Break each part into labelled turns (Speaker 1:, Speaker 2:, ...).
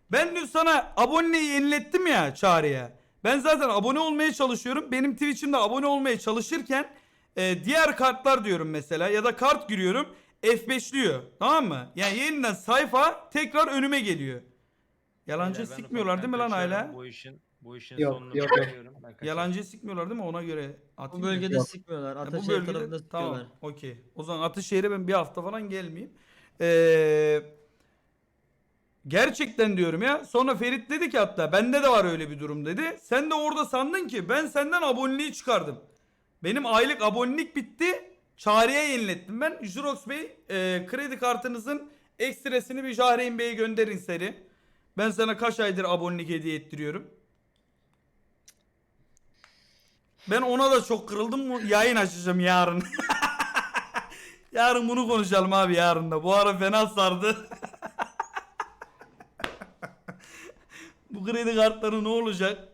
Speaker 1: Ben dün sana aboneliği yenilettim ya Çağrı'ya. Ben zaten abone olmaya çalışıyorum. Benim Twitch'imde abone olmaya çalışırken diğer kartlar diyorum mesela ya da kart giriyorum. F5'liyor. Tamam mı? Yani yeniden sayfa tekrar önüme geliyor. Yalancı
Speaker 2: Beyler, ben
Speaker 1: sikmiyorlar değil mi
Speaker 2: ufaktan
Speaker 1: lan
Speaker 2: kaçıyorum.
Speaker 1: hala?
Speaker 2: Bu işin
Speaker 3: Yok,
Speaker 2: sonunu
Speaker 3: yok, yok.
Speaker 2: bekliyorum. Ben kaçar.
Speaker 1: Yalancı sikmiyorlar değil mi? Ona göre
Speaker 4: Bu
Speaker 1: atayım da.
Speaker 4: bölgede
Speaker 3: Yok.
Speaker 4: sıkmıyorlar.
Speaker 1: Bu
Speaker 4: Ataşehir
Speaker 1: bölgede
Speaker 4: tarafında sıkıyorlar.
Speaker 1: tamam, okey. O zaman Atışehir'e ben bir hafta falan gelmeyeyim. Ee, gerçekten diyorum ya. Sonra Ferit dedi ki hatta bende de var öyle bir durum dedi. Sen de orada sandın ki ben senden aboneliği çıkardım. Benim aylık abonelik bitti. Çağrı'ya yenilettim ben. Jurox Bey kredi kartınızın ekstresini bir Jahreyn Bey'e gönderin seri. Ben sana kaç aydır abonelik hediye ettiriyorum. Ben ona da çok kırıldım. Yayın açacağım yarın. Yarın bunu konuşalım abi yarın da. Bu ara fena sardı. Bu kredi kartları ne olacak?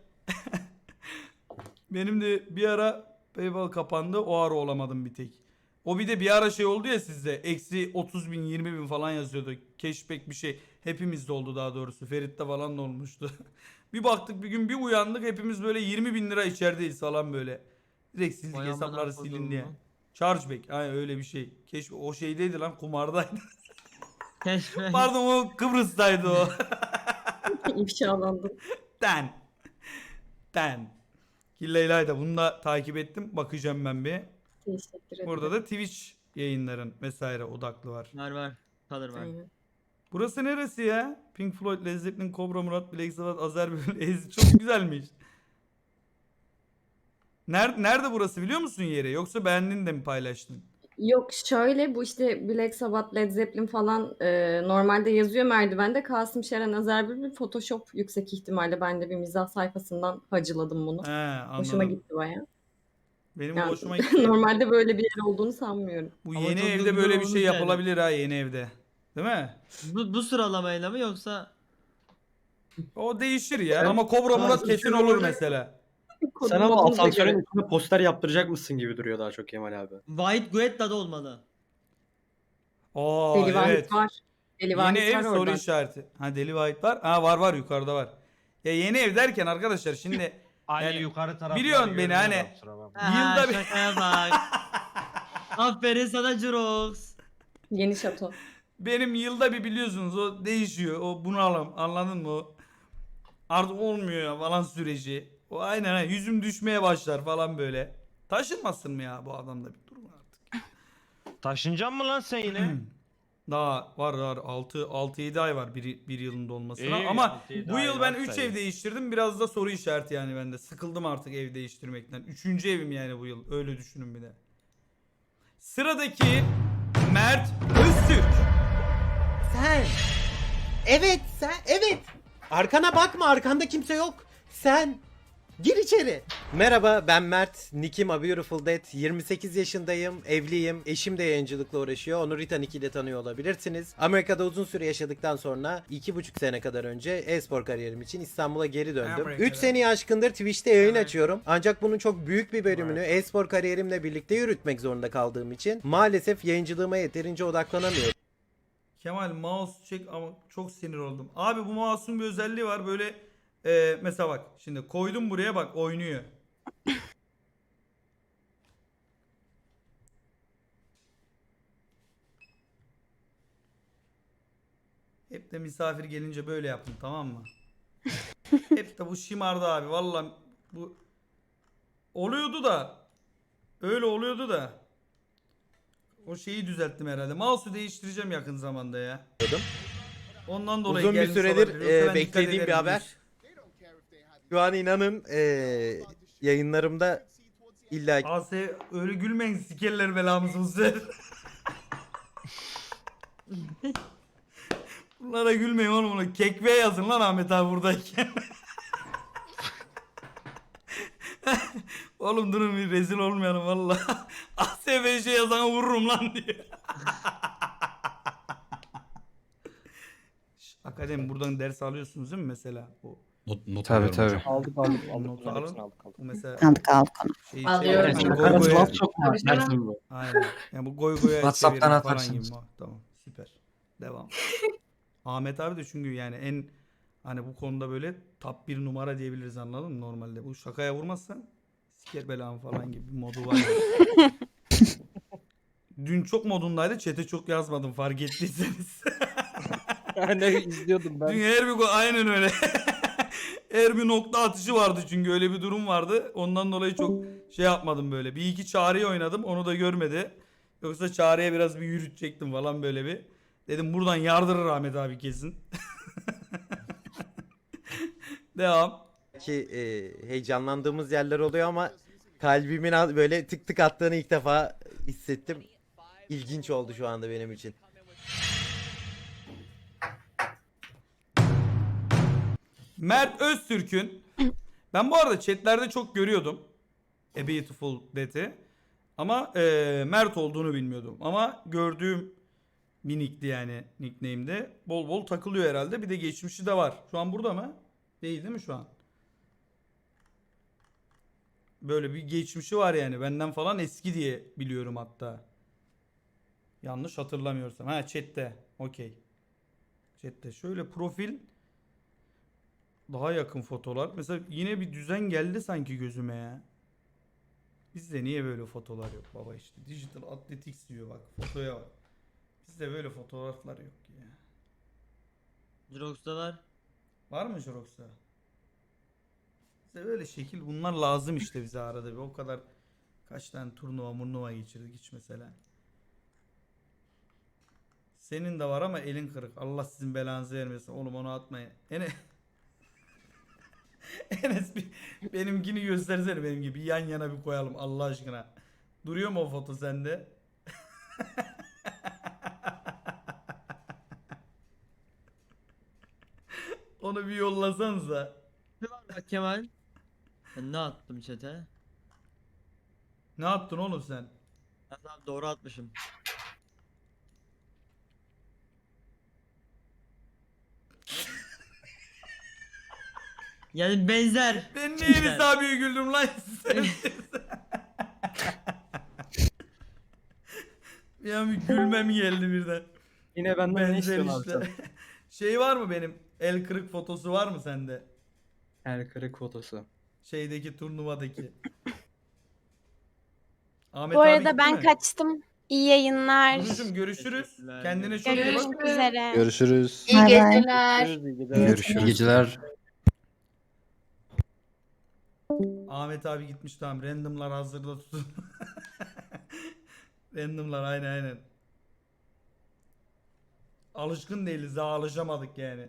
Speaker 1: Benim de bir ara PayPal kapandı. O ara olamadım bir tek. O bir de bir ara şey oldu ya sizde. Eksi 30 bin 20 bin falan yazıyordu. Cashback bir şey. Hepimizde oldu daha doğrusu. Ferit'te falan da olmuştu. Bir baktık bir gün bir uyandık. Hepimiz böyle 20 bin lira içerideyiz falan böyle. Direkt sildik
Speaker 4: Vay amına
Speaker 1: hesapları silin diye.
Speaker 4: koduğumu.
Speaker 1: Chargeback. Aynen öyle bir şey. Keşke o şeydeydi lan kumardaydı.
Speaker 4: Keşke.
Speaker 1: Pardon o Kıbrıs'taydı o.
Speaker 5: İfşalandım.
Speaker 1: Den. Den. Killa İlayda bunu da takip ettim. Bakacağım ben bir.
Speaker 5: Teşekkür ederim.
Speaker 1: Burada da Twitch yayınların vesaire odaklı var.
Speaker 4: Var. Kalır var.
Speaker 5: Aynen.
Speaker 1: Burası neresi ya? Pink Floyd, Led Zeppelin, Cobra Murat, Black Sabbath, Azer Bülbül, Ez. Çok güzelmiş. Nerede burası biliyor musun yeri? Yoksa beğendin de mi paylaştın?
Speaker 5: Yok şöyle bu işte Black Sabbath, Led Zeppelin falan normalde yazıyor merdivende. Kasım Şeren Azer Bülbül Photoshop yüksek ihtimalle ben de bir mizah sayfasından hacıladım bunu.
Speaker 1: He anladım.
Speaker 5: Hoşuma gitti baya.
Speaker 1: Benim
Speaker 5: Yani,
Speaker 1: hoşuma gitti.
Speaker 5: normalde böyle bir yer olduğunu sanmıyorum.
Speaker 1: Bu
Speaker 4: Ama
Speaker 1: yeni
Speaker 4: çok da
Speaker 1: evde
Speaker 4: güzel
Speaker 1: böyle bir
Speaker 4: olmuş
Speaker 1: şey
Speaker 4: yani.
Speaker 1: yapılabilir ha yeni evde. Değil mi?
Speaker 4: Bu sıralamayla mı yoksa
Speaker 1: O değişir ya.
Speaker 3: Ben-
Speaker 1: Ama Cobra Murat
Speaker 3: Bazı
Speaker 1: kesin
Speaker 3: şey
Speaker 1: olur
Speaker 3: olacak.
Speaker 1: mesela.
Speaker 3: Sen ama
Speaker 5: Kodum modumuza
Speaker 3: asansörün
Speaker 5: göre.
Speaker 3: üstüne poster yaptıracak mısın gibi duruyor daha çok Kemal abi.
Speaker 4: White Guetta'da olmalı?
Speaker 1: Oo
Speaker 5: Deli Vahit
Speaker 1: evet.
Speaker 5: var. Deli
Speaker 1: Yeni
Speaker 5: Vahit
Speaker 1: ev
Speaker 5: var
Speaker 1: soru
Speaker 5: orada.
Speaker 1: işareti. Ha Deli White var. Ha var yukarıda var. Ya yeni ev derken arkadaşlar şimdi
Speaker 2: Ali
Speaker 1: yani
Speaker 2: yukarı tarafları
Speaker 1: biliyorsun beni
Speaker 2: görmüyor
Speaker 1: hani.
Speaker 2: da kusura bakma.
Speaker 4: Aha,
Speaker 1: Yılda bir-
Speaker 4: şakaya bak. Aferin sana Jurox.
Speaker 5: Yeni şato.
Speaker 1: Benim yılda bir biliyorsunuz o değişiyor. O bunalım anladın mı? O artık olmuyor ya falan süreci. O aynen ha, yüzüm düşmeye başlar falan böyle. Taşınmasın mı ya bu adamda bir durum artık.
Speaker 2: Taşınacak mı lan sen yine?
Speaker 1: Daha var 6-7 ay var bir yılın dolmasına.
Speaker 2: İyi,
Speaker 1: Ama
Speaker 2: 6-7
Speaker 1: bu
Speaker 2: ay
Speaker 1: yıl ben
Speaker 2: varsa
Speaker 1: 3
Speaker 2: iyi.
Speaker 1: ev değiştirdim. Biraz da soru işareti yani bende. Sıkıldım artık ev değiştirmekten. 3. evim yani bu yıl. Öyle düşünün bir de. Sıradaki Mert Öztürk.
Speaker 6: Sen. Evet sen. Evet. Arkana bakma, arkanda kimse yok. Sen. Gir içeri. Merhaba, ben Mert. Nickim A Beautiful Dead. 28 yaşındayım. Evliyim. Eşim de yayıncılıkla uğraşıyor. Onu Rita Nick ile tanıyor olabilirsiniz. Amerika'da uzun süre yaşadıktan sonra 2,5 sene kadar önce e-spor kariyerim için İstanbul'a geri döndüm.
Speaker 1: Amerika'da.
Speaker 6: 3 seneyi aşkındır Twitch'te yayın açıyorum. Ancak bunun çok büyük bir bölümünü e-spor kariyerimle birlikte yürütmek zorunda kaldığım için maalesef yayıncılığıma yeterince odaklanamıyorum.
Speaker 1: Kemal mouse çek ama çok sinir oldum. Abi bu mouse'un bir özelliği var böyle mesela bak şimdi koydum buraya bak oynuyor. Hep de misafir gelince böyle yaptım tamam mı? Hep de bu şımardı abi vallahi bu oluyordu da öyle oluyordu da o şeyi düzelttim herhalde. Mouse'u değiştireceğim yakın zamanda ya. Ondan dolayı
Speaker 6: Uzun bir
Speaker 1: gelmiş
Speaker 6: süredir
Speaker 1: olabilir. Yoksa ben dikkat
Speaker 6: beklediğim
Speaker 1: ederim
Speaker 6: bir
Speaker 1: bu
Speaker 6: haber.
Speaker 1: iş.
Speaker 6: Şu an inanın yayınlarımda illa
Speaker 1: AS öyle gülmeyin sikerler belamızı bu sefer. Bunlara gülmeyin oğlum bunu. Kekve yazın lan Ahmet abi buradayken. Oğlum durun bir rezil olmayalım valla. ASBJ yazana vururum lan diye. Şş, Akademi buradan ders alıyorsunuz değil mi mesela? O
Speaker 7: Not
Speaker 8: Tabii
Speaker 7: alıyorum hocam.
Speaker 8: tabii.
Speaker 3: Aldık
Speaker 1: notu alın. Bu mesela
Speaker 9: Aldık aldık onu.
Speaker 1: şey
Speaker 5: Alıyoruz.
Speaker 1: hani
Speaker 3: Evet,
Speaker 1: goy
Speaker 3: Karası
Speaker 1: goya-
Speaker 3: laf çok var.
Speaker 5: Tabii canım.
Speaker 3: Dersin bu.
Speaker 1: Aynen. Yani bu goy goya
Speaker 8: WhatsApp'tan
Speaker 1: çevirin falan
Speaker 8: atarsınız.
Speaker 1: gibi. Tamam süper. Devam. Ahmet abi de çünkü yani en Hani bu konuda böyle top 1 numara diyebiliriz, anladın mı normalde. Bu şakaya vurmazsan siker belamı falan gibi bir modu var. Dün çok modundaydı. Chat'e çok yazmadım fark ettiyseniz.
Speaker 3: Ne izliyordum
Speaker 1: Dün her bir aynen öyle. Her bir nokta atışı vardı çünkü öyle bir durum vardı. Ondan dolayı çok şey yapmadım böyle. Bir iki Çağrı'yı oynadım, onu da görmedi. Yoksa Çağrı'ya biraz bir yürütecektim falan böyle bir. Dedim buradan yardırır Ahmet abi kesin. Devam.
Speaker 6: Ki heyecanlandığımız yerler oluyor ama kalbimin böyle tık tık attığını ilk defa hissettim. İlginç oldu şu anda benim için.
Speaker 1: Mert Öztürk'ün, ben bu arada chatlerde çok görüyordum A Beautiful Dead'i ama Mert olduğunu bilmiyordum. Ama gördüğüm bir nickti yani, nickname'de. Bol bol takılıyor herhalde. Bir de geçmişi de var. Şu an burada mı? Değil mi şu an? Böyle bir geçmişi var yani. Benden falan eski diye biliyorum hatta. Yanlış hatırlamıyorsam. Ha chat'te. Okey. Chat'te. Şöyle profil, daha yakın fotolar. Mesela yine bir düzen geldi sanki gözüme ya. Bizde niye böyle fotolar yok baba işte. Digital Athletics diyor bak. Fotoya bak. Bizde böyle fotoğraflar yok ya.
Speaker 4: Jirox'ta var.
Speaker 1: Var mı Jirox'ta? Bize böyle şekil bunlar lazım işte bize arada bir. O kadar kaç tane turnuva geçirdik hiç mesela. Senin de var ama elin kırık. Allah sizin belanızı vermesin. Oğlum onu atmayın. Enes benimkini göstersene, benim gibi yan yana bir koyalım Allah aşkına. Duruyor mu o foto sende? Onu bir yollasanıza.
Speaker 4: Ne var bak Kemal? Ben ne attım chat'e?
Speaker 1: Ne yaptın oğlum sen?
Speaker 4: Ben tamam doğru atmışım. Yani benzer.
Speaker 1: Ben niye Enes abiye güldüm lan? Ya bir gülmem geldi birden.
Speaker 3: Yine benden ne
Speaker 1: Benzer
Speaker 3: istiyorsun abi
Speaker 1: işte.
Speaker 3: sen?
Speaker 1: Şey var mı benim? El kırık fotosu var mı sende?
Speaker 3: El kırık fotosu.
Speaker 1: Şeydeki turnuvadaki. Ahmet
Speaker 7: Bu
Speaker 1: abi
Speaker 7: arada
Speaker 1: gitti
Speaker 7: ben
Speaker 1: mi?
Speaker 7: kaçtım. İyi yayınlar.
Speaker 1: Nurcuğum görüşürüz.
Speaker 4: Teşekkürler.
Speaker 1: Kendine çok iyi bak.
Speaker 7: Görüşmek üzere.
Speaker 8: Görüşürüz.
Speaker 7: İyi geceler.
Speaker 8: Görüşürüz. İyi geceler.
Speaker 1: Ahmet abi gitmiş, tamam. Randomlar hazırda tutun. Randomlar aynen. Alışkın değiliz, daha alışamadık yani.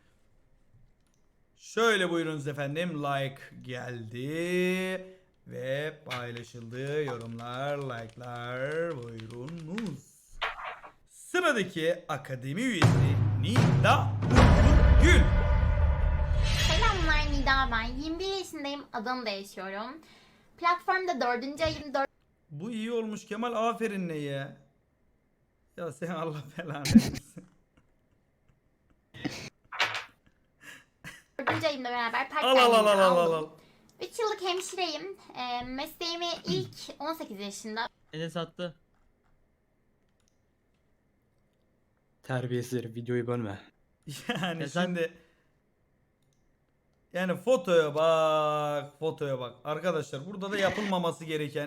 Speaker 1: Şöyle buyurunuz efendim, like geldi ve paylaşıldı, yorumlar, like'lar buyurunuz. Sıradaki akademi üyesi Nida Gül.
Speaker 9: Selamlar, Nida ben. 21 yaşındayım. Adana'da yaşıyorum. Platformda 4. ayım 4.
Speaker 1: Bu iyi olmuş Kemal, aferin ne ya. Ya sen Allah belanı versin.
Speaker 9: 4. ayımla beraber part
Speaker 1: Al al.
Speaker 9: 3 yıllık hemşireyim. Mesleğimi ilk 18 yaşında
Speaker 4: Enes attı.
Speaker 3: Terbiyesiz herif, videoyu bölme.
Speaker 1: Yani
Speaker 4: Ya sen-
Speaker 1: şimdi yani fotoya bak. Arkadaşlar burada da yapılmaması gereken.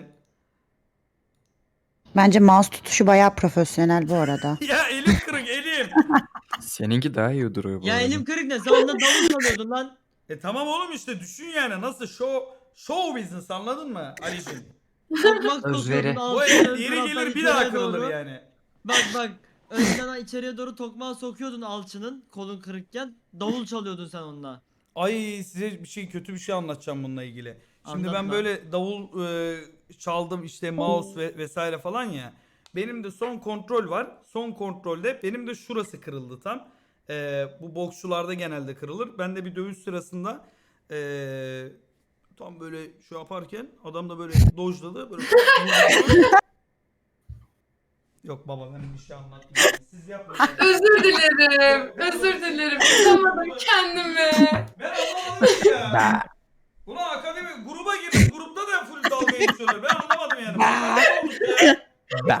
Speaker 10: Bence mouse tutuşu bayağı profesyonel bu arada.
Speaker 1: Ya elim kırık elim.
Speaker 8: Seninki daha iyi duruyor bu
Speaker 4: Ya
Speaker 8: arada.
Speaker 4: elim kırık ne? Sen onunla davul çalıyordun lan.
Speaker 1: Tamam oğlum işte düşün yani nasıl show business, anladın mı Ali'cim?
Speaker 4: Tokmak
Speaker 8: Özveri.
Speaker 4: sokuyordun
Speaker 1: Bu
Speaker 4: altına, ön
Speaker 1: yeri
Speaker 4: taraftan
Speaker 1: gelir bir
Speaker 4: içeriye
Speaker 1: daha kırılır
Speaker 4: doğru.
Speaker 1: yani.
Speaker 4: Bak önden içeriye doğru tokmağı sokuyordun alçının kolun kırıkken. Davul çalıyordun sen onunla.
Speaker 1: Ay size kötü bir şey anlatacağım bununla ilgili. Şimdi ben
Speaker 4: Anlatma.
Speaker 1: böyle davul çaldım işte, mouse vesaire falan ya. Benim de son kontrol var. Son kontrolde benim de şurası kırıldı tam. Bu boksçularda genelde kırılır. Ben de bir dövüş sırasında tam böyle şu yaparken adam da böyle dojladı. Böyle Yok baba ben bir şey anlatmayayım. Siz yapmayın.
Speaker 11: Özür dilerim. Tutamadım kendimi.
Speaker 1: Ben anlamadım ya. Buna akademi gruba girmiş. Grupta da full dalga geçiyorlar. Ben anlamadım yani. Ne olmuş ya?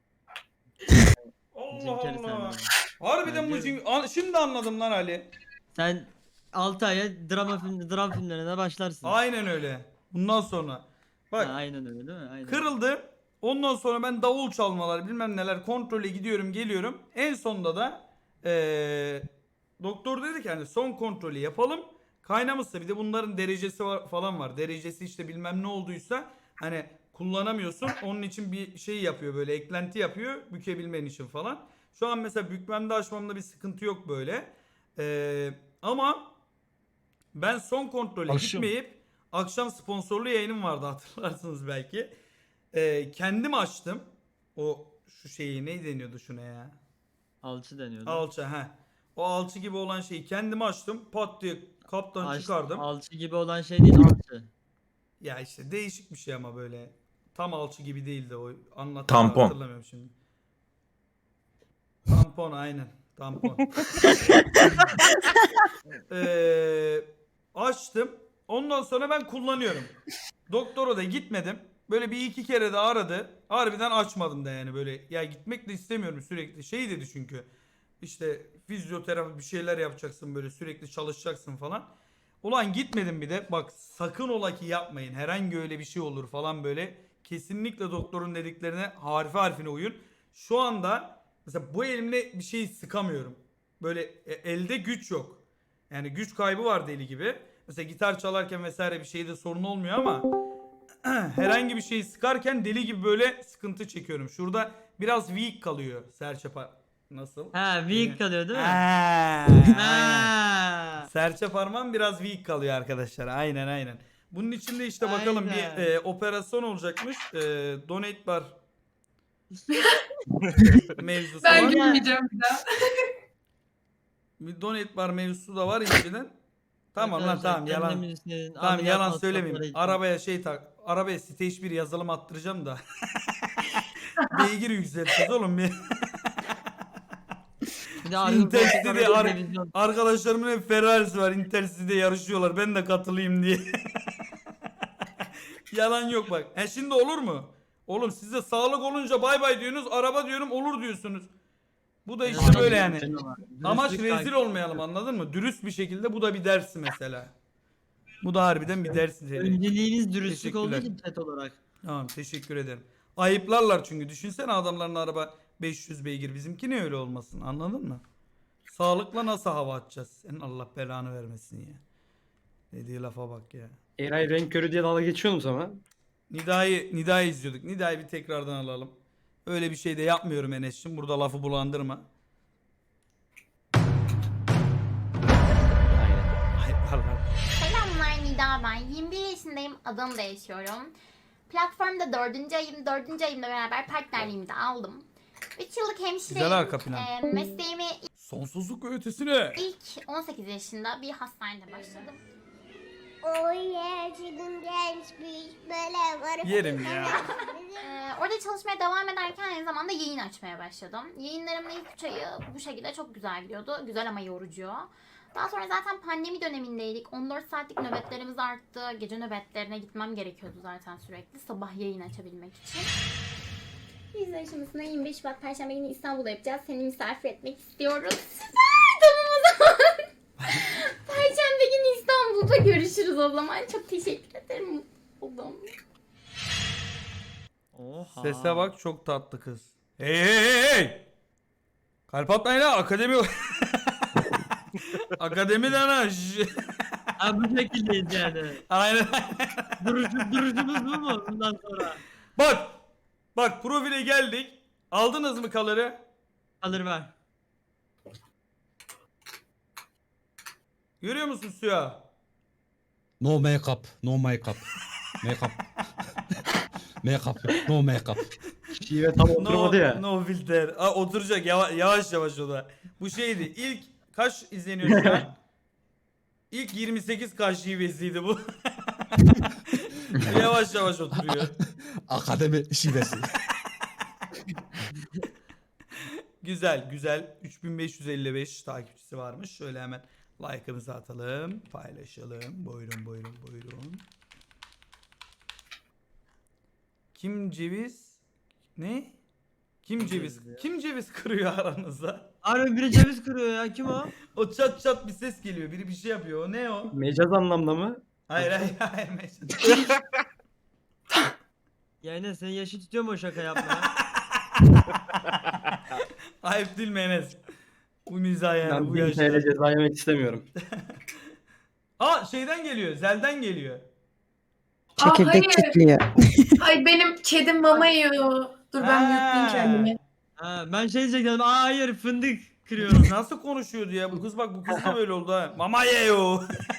Speaker 1: Allah
Speaker 4: Cinkeri
Speaker 1: Allah.
Speaker 4: sen.
Speaker 1: Harbiden bu
Speaker 4: Ben
Speaker 1: şimdi anladım lan Ali.
Speaker 4: Sen 6 aya dram filmlerine başlarsın.
Speaker 1: Aynen öyle. Bundan sonra. Bak
Speaker 4: Aynen öyle değil mi? Aynen.
Speaker 1: kırıldı. Ondan sonra ben davul çalmalar bilmem neler kontrole gidiyorum geliyorum. En sonunda da doktor dedi ki hani son kontrolü yapalım. Kaynamışsa bir de bunların derecesi falan var. Derecesi işte bilmem ne olduysa hani kullanamıyorsun. Onun için bir şey yapıyor böyle eklenti yapıyor bükebilmen için falan. Şu an mesela bükmemde açmamda bir sıkıntı yok böyle. Ama ben son kontrole gitmeyip akşam sponsorlu yayınım vardı hatırlarsınız belki. Kendim açtım. O şu şeyi ne deniyordu şuna ya?
Speaker 4: Alçı deniyordu.
Speaker 1: Alça he. O alçı gibi olan şeyi kendim açtım. Pat diye kaptan çıkardım.
Speaker 4: Alçı gibi olan şey değil alçı.
Speaker 1: Ya işte değişik bir şey ama böyle. Tam alçı gibi değildi o. Anlattığımı
Speaker 8: Tampon.
Speaker 1: hatırlamıyorum şimdi. Tampon aynen. Tampon. Açtım. Ondan sonra ben kullanıyorum. Doktora da gitmedim. Böyle bir iki kere de aradı. Harbiden açmadım da yani böyle. Ya gitmek de istemiyorum sürekli. Şey dedi çünkü. İşte fizyoterapi bir şeyler yapacaksın böyle sürekli çalışacaksın falan. Ulan gitmedim bir de. Bak sakın ola ki yapmayın. Herhangi öyle bir şey olur falan böyle. Kesinlikle doktorun dediklerine harfi harfine uyun. Şu anda mesela bu elimle bir şey sıkamıyorum. Böyle elde güç yok. Yani güç kaybı var deli gibi. Mesela gitar çalarken vesaire bir şeyde sorun olmuyor ama herhangi bir şeyi sıkarken deli gibi böyle sıkıntı çekiyorum. Şurada biraz weak kalıyor serçe nasıl?
Speaker 4: Ha weak kalıyor değil mi?
Speaker 1: Aynen. Serçe parmağım biraz weak kalıyor arkadaşlar. Aynen. Bunun içinde işte bakalım
Speaker 4: Aynen.
Speaker 1: bir operasyon olacakmış. Donate bar mevzusu
Speaker 11: Ben
Speaker 1: var.
Speaker 11: gülmeyeceğim bir daha.
Speaker 1: Bir donate bar mevzusu da var inceden. Tamam lan
Speaker 4: Arkadaşlar,
Speaker 1: tamam yalan.
Speaker 4: kendimizin
Speaker 1: Tamam
Speaker 4: ameliyat
Speaker 1: yalan
Speaker 4: masrafları
Speaker 1: söylemeyeyim.
Speaker 4: için.
Speaker 1: Arabaya stage 1 yazılım attıracağım da. Beygir yükselteceğiz oğlum bir.
Speaker 4: Bir de arka
Speaker 1: Intercity'de
Speaker 4: koltuklara bir televizyon.
Speaker 1: arkadaşlarımın hep Ferrari'si var. Intercity'de yarışıyorlar. Ben de katılayım diye. Yalan yok bak. Şimdi olur mu? Oğlum size sağlık olunca bay bay diyorsunuz. Araba diyorum olur diyorsunuz. Bu da işte
Speaker 4: Yani
Speaker 1: böyle yani.
Speaker 4: dürüstlük
Speaker 1: Amaç
Speaker 4: takip
Speaker 1: rezil
Speaker 4: ediyor.
Speaker 1: olmayalım anladın mı? Dürüst bir şekilde bu da bir ders mesela. Bu da harbiden bir ders niteliği.
Speaker 4: Önceliğiniz dürüstlük olduğu
Speaker 1: Teşekkürler.
Speaker 4: için chat olarak.
Speaker 1: Tamam teşekkür ederim. Ayıplarlar çünkü. Düşünsene adamların araba 500 beygir. Bizimki ne öyle olmasın anladın mı? Sağlıkla nasıl hava atacağız? Senin Allah belanı vermesin ya. Dediği lafa bak ya.
Speaker 3: Eray renk körü diye dalga geçiyorsunuz ama.
Speaker 1: Nida'yı izliyorduk. Nida'yı bir tekrardan alalım. Öyle bir şey de yapmıyorum Enes'cim. Burada lafı bulandırma. Ayıplarlar.
Speaker 9: Selamlar Nida ben. 21 yaşındayım. Adana'da yaşıyorum. Platformda 4. ayım. 4. ayımla beraber partnerliğimi de aldım. 3 yıllık hemşireyim.
Speaker 1: Güzel arka plan.
Speaker 9: Mesleğimi
Speaker 1: Sonsuzluk ve ötesine.
Speaker 9: ilk 18 yaşında bir hastanede başladım.
Speaker 1: Yerim ya.
Speaker 9: Orada çalışmaya devam ederken aynı zamanda yayın açmaya başladım. Yayınlarımın ilk 3 ayı bu şekilde çok güzel gidiyordu. Güzel ama yorucu. Daha sonra zaten pandemi dönemindeydik. 14 saatlik nöbetlerimiz arttı. Gece nöbetlerine gitmem gerekiyordu zaten sürekli. Sabah yayın açabilmek için. Biz aşamasında 25 Şubat Perşembe günü İstanbul'da yapacağız. Seni misafir etmek istiyoruz. Süper! Tamam o zaman. Perşembe günü İstanbul'da görüşürüz o zaman. Çok teşekkür ederim. Oldum.
Speaker 4: Oha.
Speaker 1: Sese bak çok tatlı kız. Hey! Kalp atmayın ha akademi. Akademiden ha.
Speaker 4: Ha bu şekildeyiz yani.
Speaker 1: Aynen.
Speaker 4: Duruşumuz bu mu bundan sonra?
Speaker 1: Bak profile geldik. Aldınız mı kalırı?
Speaker 4: Alır ver.
Speaker 1: Görüyor musun Suya?
Speaker 12: No makeup, no makeup. Makeup. Makeup, no makeup.
Speaker 3: Şive tam oturmadı ya.
Speaker 1: No filter. Oturacak yavaş o da. Bu şeydi. İlk kaç izleniyor şu an? İlk 28 kaç şivesiydi bu. Yavaş oturuyor.
Speaker 12: Akademi şivesi.
Speaker 1: Güzel. 3555 takipçisi varmış. Şöyle hemen like'ımızı atalım. Paylaşalım. Buyurun. Kim ceviz? Ne? Kim ceviz kırıyor aranızda?
Speaker 4: Harbi biri ceviz kırıyor ya. Kim o?
Speaker 1: O çat çat bir ses geliyor. Biri bir şey yapıyor. O ne o?
Speaker 3: Mecaz anlamda mı?
Speaker 1: Hayır hayır.
Speaker 4: Yani senin yaşı tutuyor mu o şaka yapmaya?
Speaker 1: Ayıp değil mi Enes? Bu mizah yani
Speaker 3: Ben
Speaker 1: bu
Speaker 3: 1000
Speaker 1: yaşta.
Speaker 3: TL ceza yemek istemiyorum.
Speaker 1: Aa şeyden geliyor. Zel'den geliyor.
Speaker 10: Çekirdek
Speaker 11: hayır.
Speaker 10: çitliyor.
Speaker 11: Ay benim kedim mama yiyor. Dur ben mute'layayım kendimi.
Speaker 4: Ha, ben şey diyecektim. Aa hayır fındık kırıyorum.
Speaker 1: Kız nasıl konuşuyordu ya? Bu kız bak bu kız da böyle oldu ha. Mama yeyo.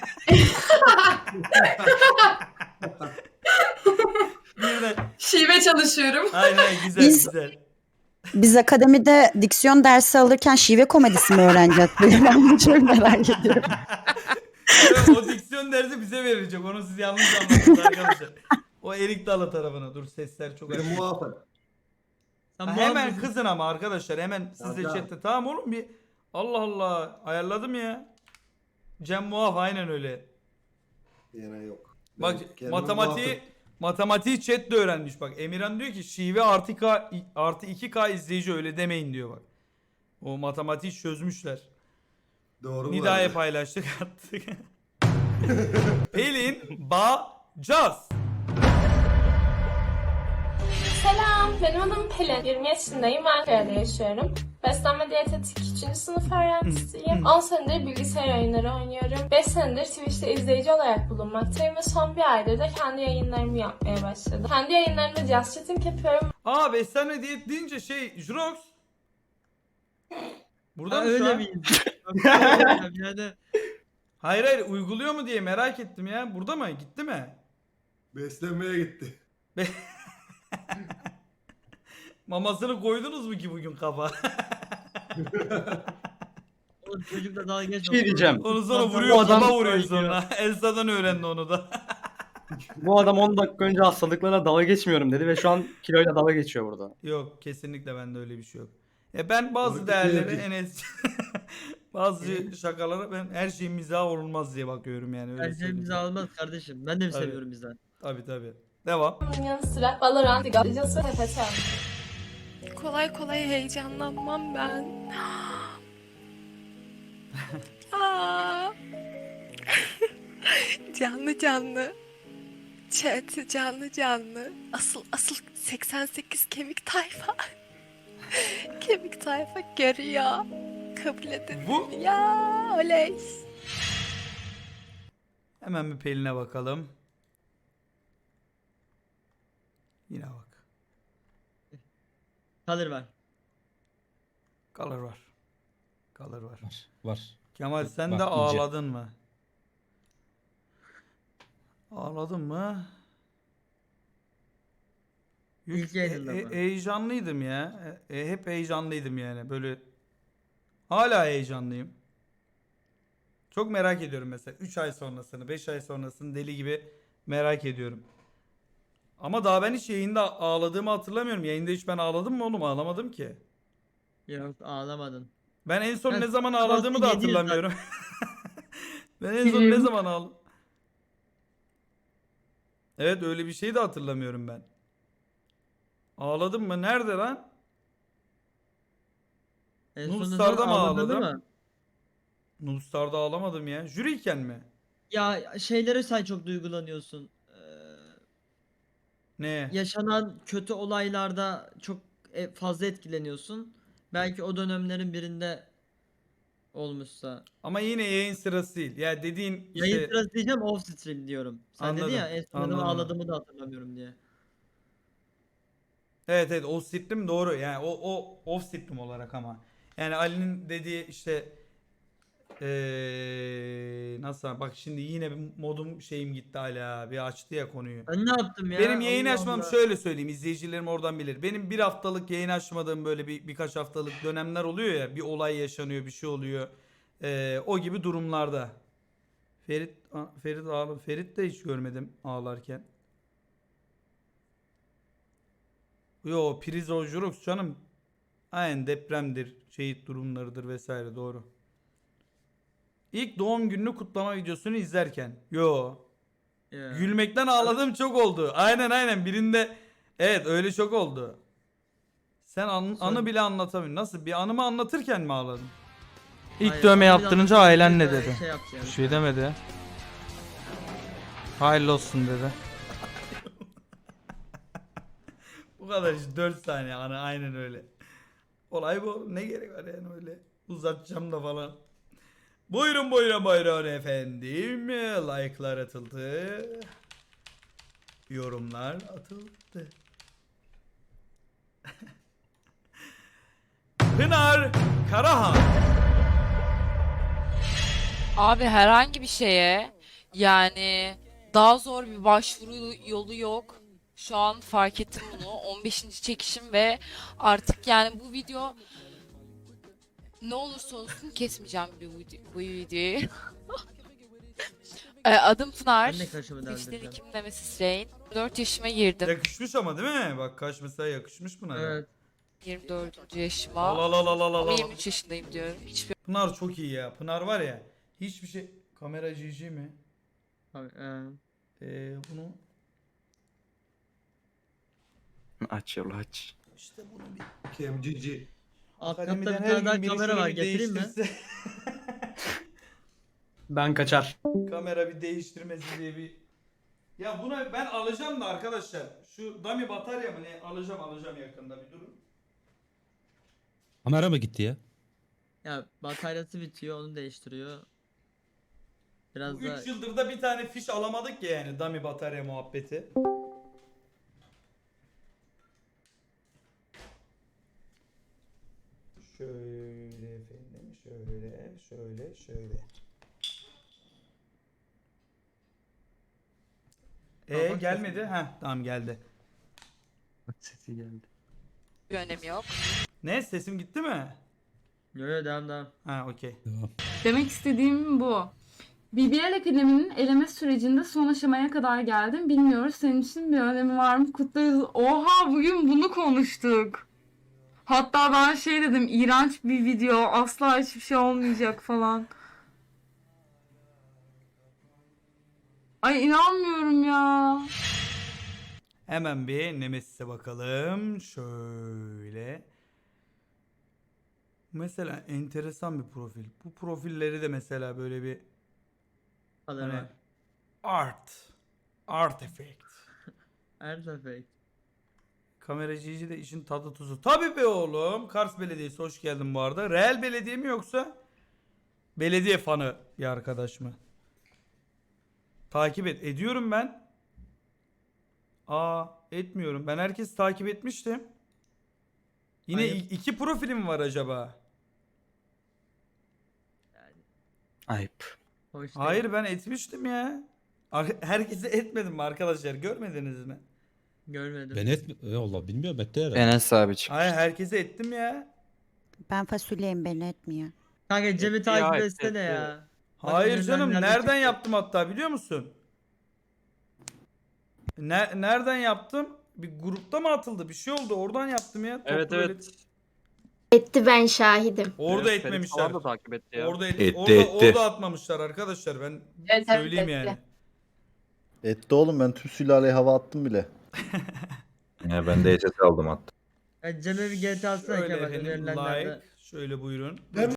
Speaker 1: Birden.
Speaker 11: Şive çalışıyorum.
Speaker 1: Aynen güzel
Speaker 10: Biz-
Speaker 1: güzel.
Speaker 10: Biz akademide diksiyon dersi alırken şive komedisi mi öğreneceğiz? Ben bunu çok merak ediyorum.
Speaker 1: Evet, o diksiyon dersi bize verilecek. Onu siz yanlış anladınız arkadaşlar. O Erik Dalı tarafına. Dur sesler çok açık.
Speaker 4: Sen
Speaker 1: Ha,
Speaker 4: bu
Speaker 1: hemen
Speaker 4: an-
Speaker 1: kızın ama arkadaşlar hemen siz de chatte. Tamam oğlum bir. Allah Allah ayarladım ya. Cem Muaf aynen öyle.
Speaker 13: Yine yok.
Speaker 1: Bak matematiği chat de öğrenmiş bak. Emirhan diyor ki şive artı 2K izleyici öyle demeyin diyor bak. O matematiği çözmüşler.
Speaker 13: Doğru
Speaker 1: Nida'ya paylaştık attık. Pelin Bacaz.
Speaker 11: Selam, benim adım Pelin. 20 yaşındayım, Ankara'da yaşıyorum. Beslenme diyetetik 3. sınıf öğrencisiyim. 10 senedir bilgisayar oyunları oynuyorum. 5 senedir Twitch'te izleyici olarak bulunmaktayım ve son bir aydır da kendi yayınlarımı yapmaya başladım. Kendi yayınlarımda just chatting yapıyorum.
Speaker 1: Aa beslenme diyet deyince Jurox. Burada
Speaker 4: Ha,
Speaker 1: mı şu
Speaker 4: öyle
Speaker 1: an?
Speaker 4: miyiz? Yani
Speaker 1: Hayır uyguluyor mu diye merak ettim ya. Burada mı? Gitti mi?
Speaker 13: Beslenmeye gitti.
Speaker 1: Mamasını koydunuz mu ki bugün kafa?
Speaker 4: oğlum çocukla dalga geçme.
Speaker 3: Bir şey diyeceğim.
Speaker 1: Onu sonra
Speaker 4: Bu
Speaker 1: vuruyor,
Speaker 3: adam-
Speaker 1: kafa vuruyor sonra. Elsa'dan öğrendi onu da.
Speaker 3: Bu adam 10 dakika önce hastalıklara dalga geçmiyorum dedi ve şu an kiloyla dalga geçiyor burada.
Speaker 1: Yok kesinlikle bende öyle bir şey yok. Ben bazı
Speaker 13: Onu
Speaker 1: değerleri
Speaker 13: bitirdi.
Speaker 1: Enes bazı şakalara ben her şeyin mizah olmaz diye bakıyorum yani öyle
Speaker 4: Her şey
Speaker 1: söyleyeyim.
Speaker 4: bize almaz kardeşim. Ben de mi
Speaker 1: Tabii.
Speaker 4: seviyorum bizden?
Speaker 1: Tabii. Devam.
Speaker 11: Bunun yanı sıra Valorant, League of Legends ve TFT.
Speaker 7: Kolay kolay heyecanlanmam ben. Aa. Canlı canlı. Chat canlı canlı. Asıl 88 kemik tayfa. Kemik tayfa görüyor. Kabul edin.
Speaker 1: Bu
Speaker 7: Ya oley.
Speaker 1: hemen bir Pelin'e bakalım. Yine bak.
Speaker 4: Kalır var.
Speaker 1: Color var. Color var.
Speaker 12: Var.
Speaker 1: Kemal sen
Speaker 12: Bak,
Speaker 1: de
Speaker 12: iyice.
Speaker 1: ağladın mı? Ağladın mı? Yok,
Speaker 4: İlk yayınında mı?
Speaker 1: heyecanlıydım ya. Hep heyecanlıydım yani. Böyle hala heyecanlıyım. Çok merak ediyorum mesela 3 ay sonrasını, 5 ay sonrasını deli gibi merak ediyorum. Ama daha ben hiç yayında ağladığımı hatırlamıyorum. Yayında hiç ben ağladım mı oğlum? Ağlamadım ki.
Speaker 4: Yok ağlamadın.
Speaker 1: Ben en son
Speaker 4: Ben
Speaker 1: ne zaman
Speaker 4: sabahleyin
Speaker 1: ağladığımı da
Speaker 4: 7'yiz
Speaker 1: hatırlamıyorum. Ben en son ne zaman ağladım? Evet öyle bir şey de hatırlamıyorum ben. Ağladım mı? Nerede lan?
Speaker 4: En
Speaker 1: Nul
Speaker 4: sonunda
Speaker 1: Star'da mı
Speaker 4: ağladın
Speaker 1: ağladım?
Speaker 4: mı?
Speaker 1: Nulstar'da ağlamadım ya. Jüriyken mi?
Speaker 4: Ya şeylere sen çok duygulanıyorsun.
Speaker 1: Ne?
Speaker 4: Yaşanan kötü olaylarda çok fazla etkileniyorsun. Belki o dönemlerin birinde olmuşsa.
Speaker 1: Ama yine yayın sırası değil. Ya dediğin
Speaker 4: Yayın
Speaker 1: işte-
Speaker 4: sırası diyeceğim off stream diyorum. Sen
Speaker 1: Anladım,
Speaker 4: dedin ya en son
Speaker 1: anladım.
Speaker 4: ağladığımı da hatırlamıyorum diye.
Speaker 1: Evet off stream doğru. Yani o off stream olarak ama. Yani Ali'nin dediği işte nasıl bak şimdi yine bir modum şeyim gitti hala. Bir açtı ya konuyu.
Speaker 4: Ben ne yaptım ya?
Speaker 1: Benim yayın
Speaker 4: Allah
Speaker 1: açmam
Speaker 4: Allah.
Speaker 1: şöyle söyleyeyim izleyicilerim oradan bilir. Benim bir haftalık yayın açmadığım böyle birkaç haftalık dönemler oluyor ya bir olay yaşanıyor bir şey oluyor. O gibi durumlarda. Ferit de hiç görmedim ağlarken. Yo priz Jurux canım. Aynen depremdir, şehit durumlarıdır vesaire doğru. İlk doğum gününü kutlama videosunu izlerken. Yo.
Speaker 4: Ya.
Speaker 1: Gülmekten ağladığım çok oldu. Aynen birinde evet öyle çok oldu. Sen anı bile anlatamıyorsun. Nasıl? Bir anımı anlatırken mi ağladın? İlk
Speaker 4: Hayır,
Speaker 1: dövme
Speaker 4: onu
Speaker 1: yaptırınca
Speaker 4: biraz
Speaker 1: ailen ne
Speaker 4: böyle
Speaker 1: dedi?
Speaker 4: şey yapacağım.
Speaker 1: Bir şey demedi. Hayırlı olsun dedi. Bu kadar işte 4 saniye anı aynen öyle. Olay bu. Ne gerek var yani öyle. Uzatacağım da falan. Buyurun efendim. Like'lar atıldı. Yorumlar atıldı. Pınar Karahan.
Speaker 7: Abi herhangi bir şeye yani daha zor bir başvuru yolu yok. Şu an fark ettim bunu. 15. çekişim ve artık yani bu video ne olursa olsun kesmeyeceğim bu videoyu. Adım Pınar.
Speaker 4: Ben de kaşımı
Speaker 7: Twitch'ten
Speaker 4: deldireceğim.
Speaker 7: ikim Nemesis Rain. 4 yaşıma girdim.
Speaker 1: Yakışmış ama değil mi? Bak kaş mesela yakışmış Pınar'a.
Speaker 4: Evet.
Speaker 7: 24. yaşıma. Ama 23 yaşındayım diyorum. Hiçbir
Speaker 1: Pınar çok iyi ya. Pınar var ya. Hiçbir şey. Kamera GG mi?
Speaker 4: Abi,
Speaker 1: Bunu
Speaker 8: Aç yolu aç.
Speaker 1: işte bunu bir
Speaker 13: KMGG.
Speaker 4: alt katta
Speaker 1: akademiden
Speaker 4: bir
Speaker 1: her
Speaker 4: tane daha
Speaker 1: gün biri
Speaker 4: kamera
Speaker 1: şunu
Speaker 4: var.
Speaker 1: bir
Speaker 4: Getireyim mi?
Speaker 1: değiştirse.
Speaker 3: Ben kaçar.
Speaker 1: Kamera bir değiştirmesi diye bir. Ya buna ben alacağım da arkadaşlar. Şu dummy batarya mı ne? Alacağım yakında bir durun.
Speaker 12: Kamera mı gitti ya?
Speaker 4: Ya bataryası bitiyor, onu değiştiriyor. Biraz
Speaker 1: Bu
Speaker 4: da
Speaker 1: 3 yıldır da bir tane fiş alamadık ya yani dummy batarya muhabbeti. Şöyle efendim, şöyle.
Speaker 4: Tamam,
Speaker 1: Gelmedi.
Speaker 4: sesini-
Speaker 1: Heh, tamam geldi.
Speaker 8: Sesi geldi.
Speaker 7: önemi yok.
Speaker 1: Ne? Sesim gitti mi?
Speaker 4: yo yo devam.
Speaker 1: Ha, okey.
Speaker 12: Devam.
Speaker 14: Demek istediğim bu. BBL Akademi'nin eleme sürecinde son aşamaya kadar geldim. Bilmiyoruz senin için bir önemi var mı? Kutlarız. Oha bugün bunu konuştuk. Hatta ben şey dedim, iğrenç bir video, asla hiçbir şey olmayacak falan. Ay inanmıyorum ya.
Speaker 1: Hemen bir Nemesis'e bakalım. Şöyle. Mesela enteresan bir profil. Bu profilleri de mesela böyle bir
Speaker 4: Hadi
Speaker 1: hani
Speaker 4: bak.
Speaker 1: art effect.
Speaker 4: Perfect.
Speaker 1: Kameracıcı da işin tadı tuzu. Tabii be oğlum. Kars Belediyesi hoş geldin bu arada. Real belediye mi yoksa belediye fanı bir arkadaş mı? Takip ediyorum ben. Etmiyorum. Ben herkesi takip etmiştim. Yine
Speaker 4: Ayıp.
Speaker 1: 2 profilim var acaba?
Speaker 8: Ayıp.
Speaker 4: Hoş değil.
Speaker 1: Hayır ben etmiştim ya. Herkese etmedim mi arkadaşlar? Görmediniz mi?
Speaker 4: Görmedim.
Speaker 12: Ben Allah bilmiyorum etti herhalde.
Speaker 8: Enes abi çıkmış.
Speaker 1: Hayır herkese ettim ya.
Speaker 10: Ben fasulyeyim beni etmiyor.
Speaker 4: Kanka Cem'i takip etsene ya.
Speaker 1: Hayır
Speaker 4: Bakın
Speaker 1: canım
Speaker 4: nerede
Speaker 1: nereden
Speaker 4: çıktı?
Speaker 1: yaptım hatta biliyor musun? Nereden yaptım? Bir grupta mı atıldı? Bir şey oldu. Oradan yaptım ya.
Speaker 2: Evet,
Speaker 1: Toplu
Speaker 2: evet.
Speaker 5: Etti, ben şahidim.
Speaker 1: Orada etmemişler.
Speaker 2: takip etti ya.
Speaker 1: Orada atmamışlar arkadaşlar. Ben
Speaker 7: Evet,
Speaker 1: söyleyeyim yani.
Speaker 13: Etti oğlum, ben tüm sülaleye hava attım bile.
Speaker 8: Ya ben de ECT aldım hatta.
Speaker 4: Ya Cem'e bir GTA atsana
Speaker 1: Şöyle
Speaker 4: Kemal
Speaker 1: efendim
Speaker 4: önerilenlerde.
Speaker 1: like. Şöyle buyurun.